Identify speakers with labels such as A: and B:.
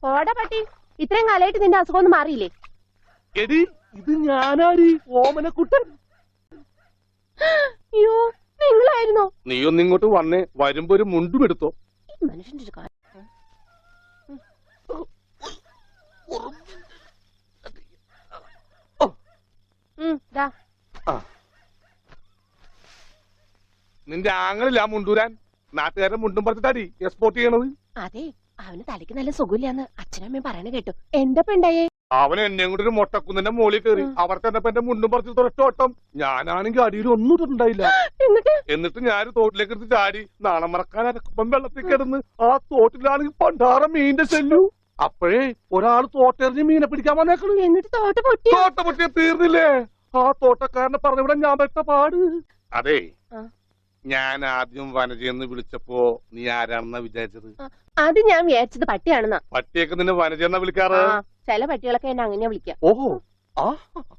A: പോടാ പട്ടി, ഇത്രയും കാലമായിട്ട് നിന്റെ അസുഖം ഒന്നും മാറിയില്ലേ?
B: എടി ഇത് ഞാനാടി, ഓമനക്കുട്ടൻ.
A: അയ്യോ, നിങ്ങളായിരുന്നോ?
B: നീ ഒന്നിങ്ങോട്ട് വന്നേ, വരുമ്പോ ഒരു മുണ്ടും എടുത്തോ.
A: മനുഷ്യന്റെ ഒരു കാര്യം.
B: നിന്റെ ആങ്ങളില്ല മുണ്ടൂരാൻ, നാട്ടുകാരൻ മുണ്ടും പറിച്ചിട്ടാടി എക്സ്പോർട്ട് ചെയ്യണത്.
A: അതെ, അവന് തലയ്ക്ക് നല്ല സുഖമില്ലാന്ന് അച്ഛനമ്മയും പറയണ കേട്ടു. എന്താ പെണ്ടായേ?
B: അവൻ എന്നെ കൂടെ ഒരു മൊട്ടക്കുന്നിന്റെ മോളിൽ കയറി അവർ തന്നെ എന്റെ മുണ്ടും പറിച്ച് തൊട്ടോട്ടം. ഞാനാണെങ്കിൽ അടിയിൽ ഒന്നും ഇട്ടിട്ടുണ്ടായില്ല. എന്നിട്ട് ഞാൻ തോട്ടിലേക്ക് എടുത്ത് ചാടി. നാളെ മറക്കാൻ അരക്കുമ്പം വെള്ളത്തിൽ കിടന്ന് ആ തോട്ടിലാണെങ്കിൽ പണ്ടാറ മീനിന്റെ ശല്യു. അപ്പോഴേ ഒരാൾ തോട്ടെറിഞ്ഞ് മീനെ പിടിക്കാൻ വന്നേക്കണു.
A: എന്നിട്ട് തോട്ട
B: പൊട്ടിയ തീർന്നില്ലേ? ആ തോട്ടക്കാരനെ പറഞ്ഞവിടെ ഞാൻ പെട്ട പാട്. അതെ, ഞാൻ ആദ്യം വനജയെന്ന് വിളിച്ചപ്പോ നീ ആരാണെന്നാ വിചാരിച്ചത്?
A: അത് ഞാൻ വിചാരിച്ചത് പട്ടിയാണെന്നാ.
B: പട്ടിയൊക്കെ നിന്നെ വനജയെന്നാ വിളിക്കാറ്.
A: ചില പട്ടികളൊക്കെ എന്നെ അങ്ങനെയാ വിളിക്കാം.
B: ഓഹോ, ആ